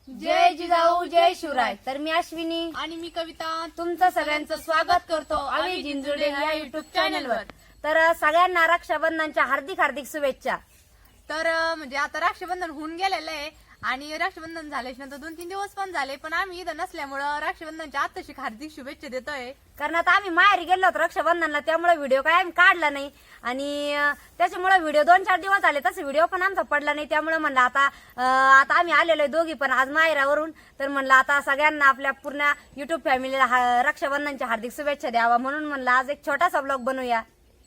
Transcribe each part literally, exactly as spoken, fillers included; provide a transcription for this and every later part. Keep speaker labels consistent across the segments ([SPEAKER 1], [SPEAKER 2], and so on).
[SPEAKER 1] जय जिजाऊ जय शिवराय. तर मी अश्विनी
[SPEAKER 2] आणि मी कविता
[SPEAKER 1] तुमचं सगळ्यांचं स्वागत करतो आम्ही जिंजुडे ह्या युट्यूब चॅनलवर. तर सगळ्यांना रक्षाबंधनच्या हार्दिक हार्दिक शुभेच्छा.
[SPEAKER 2] तर अं, म्हणजे आता रक्षाबंधन होऊन गेलेलं आहे आणि रक्षाबंधन झाल्याच्या नंतर दोन तीन दिवस पण झाले, पण आम्ही इथं नसल्यामुळं रक्षाबंधनच्या आत्ताशी हार्दिक शुभेच्छा देतोय.
[SPEAKER 1] कारण आता आम्ही माहेरी गेलो होतो रक्षाबंधनला, त्यामुळे व्हिडिओ काय आम्ही काढला नाही आणि अं, त्याच्यामुळे व्हिडिओ दोन चार दिवस झाले तसे व्हिडिओ पण आमचा पडला नाही. त्यामुळे म्हणलं आता अं, आता आम्ही आलेलो आहे दोघी पण आज माहेरावरून, तर म्हणलं आता सगळ्यांना आपल्या पूर्ण युट्यूब फॅमिलीला हा- रक्षाबंधनच्या हार्दिक शुभेच्छा द्यावा, म्हणून म्हणलं आज एक छोटासा ब्लॉग बनवूया.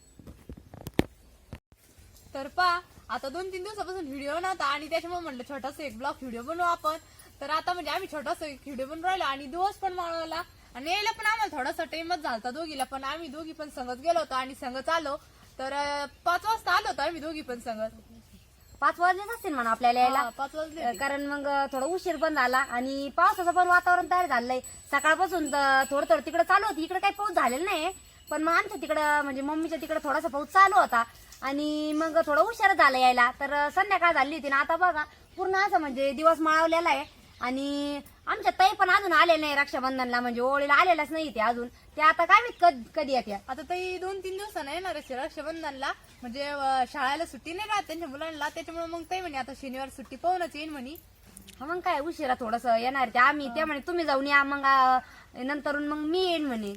[SPEAKER 2] तर पा आता दोन तीन दिवसापासून व्हिडिओ नव्हता आणि त्याच्यामुळे म्हणलं छोटासा एक ब्लॉग व्हिडिओ बनवू आपण. तर आता म्हणजे आम्ही छोटासा एक व्हिडिओ बनवून राहिलो आणि दिवस पण माळवला आणि यायला पण आम्हाला थोडासा टाइमच झालता दोघीला, पण आम्ही दोघी पण संगत गेलो होतो आणि संगत आलो. तर अं, पाच वाजता आलो होतो आम्ही दोघी पण संगत.
[SPEAKER 1] पाच वाजलेच असतील म्हणा आपल्याला यायला,
[SPEAKER 2] हा, पाच वाजले होते.
[SPEAKER 1] कारण मग थोडा उशीर पण झाला आणि पावसाचं पण वातावरण तयार झालंय. सकाळपासून तर थोडं थोडं तिकडे चालू होती, इकडे काही पाऊस झालेला नाही, पण मग आमच्या तिकडं म्हणजे मम्मीच्या तिकडे थोडासा पाऊस चालू होता आणि मग थोडा उशीर झाला यायला. तर संध्याकाळ झाली होती ना, आता बघा पूर्ण असं म्हणजे दिवस माळवलेला आहे आणि आमच्या ताई पण अजून आलेल्या नाही रक्षाबंधनला, म्हणजे ओळीला आलेलाच नाही ते अजून. ते आता काय माहित कध- कधी येत्या.
[SPEAKER 2] आता ताई दोन तीन दिवसानं येणार आहे रक्षाबंधनला, म्हणजे अं, शाळेला सुट्टी नाही राहत त्यांच्या मुलांना, त्याच्यामुळे मग ताई म्हणे आता शनिवार सुट्टी पाहूनच येईन म्हणे.
[SPEAKER 1] हा मग काय उशिरा थोडस येणार ते आम्ही, ते म्हणे तुम्ही जाऊन या मग अं, नंतरून मग मी येईन म्हणे.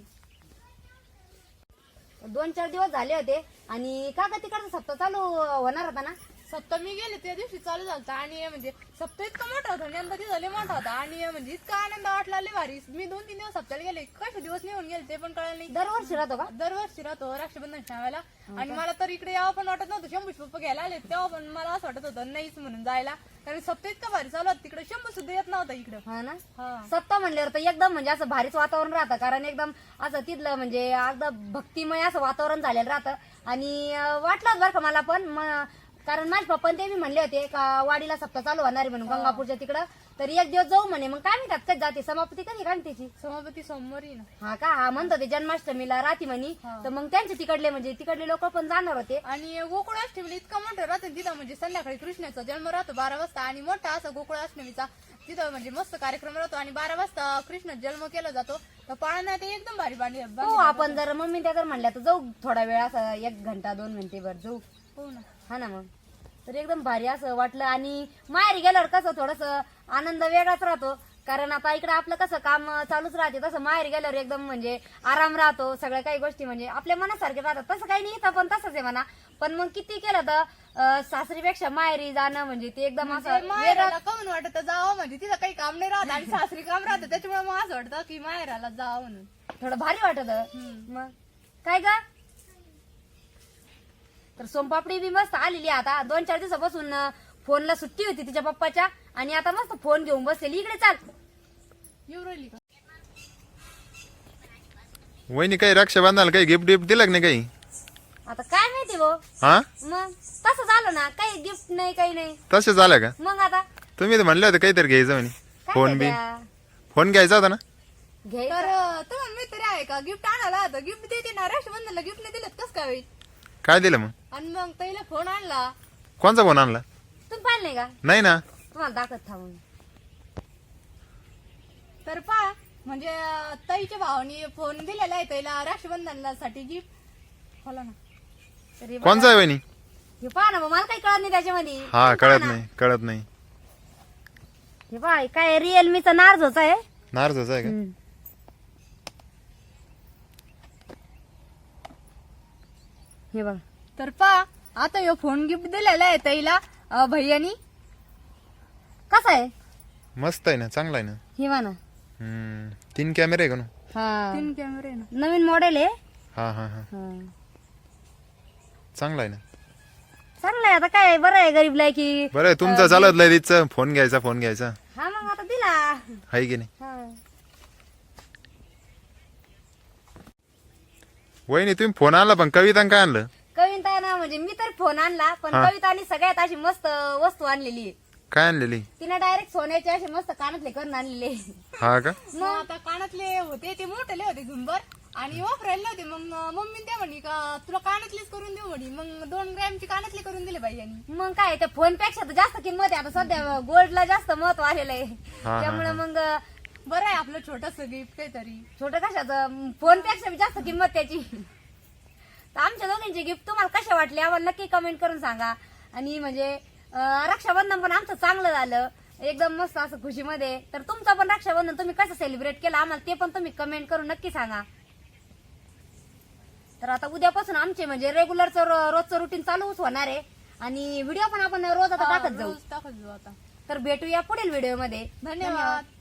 [SPEAKER 1] दोन चार दिवस झाले होते आणि का का तिकडचा सप्ताह चालू होणार होता ना.
[SPEAKER 2] सप्तमी गेले त्या दिवशी चालू झालता आणि म्हणजे सप्ताह इतका मोठा होता, यंदा तिथं लय मोठा होता आणि म्हणजे इतका आनंद वाटला लय भारी. मी दोन तीन दिवस सप्ताहाला गेले, कसे दिवस निघून गेले ते पण कळलं नाही.
[SPEAKER 1] दरवर्षी राहतो का?
[SPEAKER 2] दरवर्षी राहतो रक्षाबंधन शाळेला आणि मला तर इकडे यावं पण वाटत नव्हतं. शंभूचे पप्पा घ्यायला आले तेव्हा पण मला असं वाटत होतं नाहीच म्हणून जायला, कारण सप्ताह इतका भारी चालू होता तिकडे, शंभू सुद्धा येत नव्हता इकडं.
[SPEAKER 1] हा ना.
[SPEAKER 2] हा
[SPEAKER 1] सप्ताह म्हणल्यावर तर एकदम म्हणजे असं भारीच वातावरण राहतं, कारण एकदम असं तिथलं म्हणजे एकदम भक्तिमय असं वातावरण झालेलं राहतं. आणि अं, वाटलं बरं का मला पण, म- कारण माझे पप्पा ते मी म्हणले होते का वाडीला सप्ताह चालू होणार आहे म्हणून गंगापूरच्या तिकडं, तर एक दिवस जाऊ म्हणे. मग काय म्हणतात कधी जाते समाप्ती कधी काढ त्याची.
[SPEAKER 2] समापती सोमवारी ना.
[SPEAKER 1] हा का, हा म्हणत होते जन्माष्टमीला राहते म्हणे.
[SPEAKER 2] हा.
[SPEAKER 1] तर मग त्यांचे तिकडले म्हणजे तिकडले लोक पण जाणार होते.
[SPEAKER 2] आणि गोकुळाष्टमीला इतका मोठं राहतं तिथं, म्हणजे संध्याकाळी कृष्णाचा जन्म राहतो बारा वाजता आणि मोठा असा गोकुळाष्टमीचा तिथं म्हणजे मस्त कार्यक्रम राहतो आणि बारा वाजता कृष्ण जन्म केला जातो. तर पाळणा ते एकदम भारी बांधली
[SPEAKER 1] हो आपण जर मम्मी त्या जर म्हणल्या तर जाऊ थोडा वेळ असं एक घंटा दोन घंटे भर जाऊ.
[SPEAKER 2] हो ना.
[SPEAKER 1] हा ना. मग तर एकदम भारी असं वाटलं आणि माहेरी गेल्यावर कसं थोडस आनंद वेगळाच राहतो, कारण आता इकडे आपलं कसं काम चालूच राहते, तसं माहेरी गेल्यावर एकदम म्हणजे आराम राहतो. सगळ्या काही गोष्टी म्हणजे आपल्या मनासारखे राहतात. तसं काही नाही इथं पण तसंच आहे म्हणा, पण मग किती केलं तर अं, सासरीपेक्षा माहेरी जाणं म्हणजे ते एकदम असं वेगळं.
[SPEAKER 2] माहेराला कमून वाटत जावं, म्हणजे तिथं काही काम नाही राहत आणि सासरी काम राहतं, त्याच्यामुळे मग असं वाटतं की माहेराला जावं म्हणून.
[SPEAKER 1] थोडं भारी वाटत. मग काय का, तर सोमपापडी बी मस्त आलेली आहे. आता दोन चार दिवसापासून अं, फोनला सुट्टी होती तिच्या पप्पाच्या आणि आता मस्त फोन घेऊन बसलेली. इकडे चाल.
[SPEAKER 2] येऊ राहिली का?
[SPEAKER 3] वहिनी काही रक्षाबंधनाला काही गिफ्ट गिफ्ट दिलं का नाही काही?
[SPEAKER 1] आता काय माहिती भाऊ,
[SPEAKER 3] हा
[SPEAKER 1] मग तसं झालं ना, काही गिफ्ट नाही काही नाही.
[SPEAKER 3] तसे झालं का?
[SPEAKER 1] मग आता
[SPEAKER 3] तुम्ही तर म्हणले होते काहीतरी घ्यायचं म्हणे.
[SPEAKER 1] काय
[SPEAKER 3] फोन बी
[SPEAKER 1] द्या?
[SPEAKER 3] फोन घ्यायचा होता ना.
[SPEAKER 1] घ्यायचं.
[SPEAKER 2] तर तुम्हाला मित्र आहे का गिफ्ट आणायला? तर गिफ्ट देते ना, रक्षाबंधनला गिफ्ट नाही दिलं कस काय होईल?
[SPEAKER 3] काय दिलं मग?
[SPEAKER 2] आणि मग ताईला फोन आणला.
[SPEAKER 3] कोणचा फोन आणला?
[SPEAKER 1] तुम्ही पाहिलं नाही का?
[SPEAKER 3] नाही ना.
[SPEAKER 1] तुम्हाला दाखवत थांबून.
[SPEAKER 2] तर पा म्हणजे अं, ताईच्या भावानी फोन दिलेला आहे ताईला रक्षाबंधनला साठी गिफ्ट. होला ना.
[SPEAKER 1] तरी
[SPEAKER 3] कोणचा आहे वहिनी?
[SPEAKER 1] हे पहा ना, मग मला काही कळत नाही त्याच्यामध्ये.
[SPEAKER 3] हा
[SPEAKER 1] तुम्ही
[SPEAKER 3] कळत
[SPEAKER 1] पहा ना.
[SPEAKER 3] नाही कळत नाही.
[SPEAKER 1] हे पहा काय रिअलमीचा नार्झोचा आहे.
[SPEAKER 3] नार्जच आहे का?
[SPEAKER 1] हम्म. हे बघ.
[SPEAKER 2] तर पा आता यो फोन गिफ्ट दिलेला आहे ताईला अं, भैयानी.
[SPEAKER 1] कसा आहे?
[SPEAKER 3] मस्त आहे ना, चांगला आहे ना.
[SPEAKER 1] हे बघा ना.
[SPEAKER 3] हम्म तीन कॅमेरे आहे का ना?
[SPEAKER 1] हा
[SPEAKER 2] तीन कॅमेरे ना.
[SPEAKER 1] नवीन मॉडेल आहे.
[SPEAKER 3] हा हा हा
[SPEAKER 1] हा.
[SPEAKER 3] चांगला आहे ना.
[SPEAKER 1] चांगलं आहे. आता काय बरं आहे गरीबला की.
[SPEAKER 3] बरं आहे तुमचं चालत लय तिथचं फोन घ्यायचा फोन घ्यायचा
[SPEAKER 1] हा मग आता दिला.
[SPEAKER 3] आहे की नाही?
[SPEAKER 1] हा.
[SPEAKER 3] वहिनी तुम्ही फोन आणला पण कविता काय आणलं?
[SPEAKER 1] कविता ना म्हणजे मी तर फोन आणला, पण
[SPEAKER 3] हा.
[SPEAKER 1] कवितानी सगळ्यात अशी मस्त वस्तू आणलेली आहे.
[SPEAKER 3] काय आणलेली?
[SPEAKER 1] तिने डायरेक्ट सोन्याचे असे मस्त कानातले करून आणलेले.
[SPEAKER 3] हा का?
[SPEAKER 2] मग आता कानातले होते ते मोठे होते झुंबर आणि वापरायला नव्हते. मग मम्मी त्या म्हणे का तुला कानातलीच करून देऊ म्हणे. मग दोन ग्रॅमची कानातली करून दिले बाई यांनी.
[SPEAKER 1] मग काय त्या फोन पेक्षा तर जास्त किंमत आहे आता सध्या गोल्डला जास्त महत्व आलेलं आहे
[SPEAKER 3] हा.
[SPEAKER 1] त्यामुळे मग
[SPEAKER 2] बरं आहे आपलं छोटस गिफ्ट काहीतरी.
[SPEAKER 1] छोटं कशाचं फोन पेक्षा जास्त किंमत त्याची. तर आमच्या दोघींचे गिफ्ट तुम्हाला कसे वाटले आम्हाला नक्की कमेंट करून सांगा. आणि म्हणजे अं, रक्षाबंधन पण आमचं चांगलं झालं एकदम मस्त असं खुशीमध्ये. तर तुमचं पण रक्षाबंधन तुम्ही कसं सेलिब्रेट केलं आम्हाला ते पण तुम्ही कमेंट करून नक्की सांगा. तर आता उद्यापासून आमचे म्हणजे रेग्युलरचं रो- रोजचं रुटीन चालूच होणार आहे आणि व्हिडिओ पण आपण रोज आता
[SPEAKER 2] हा,
[SPEAKER 1] टाकत जाऊ.
[SPEAKER 2] रोज टाकत जाऊ आता.
[SPEAKER 1] तर भेटूया पुढील व्हिडिओमध्ये.
[SPEAKER 2] धन्यवाद.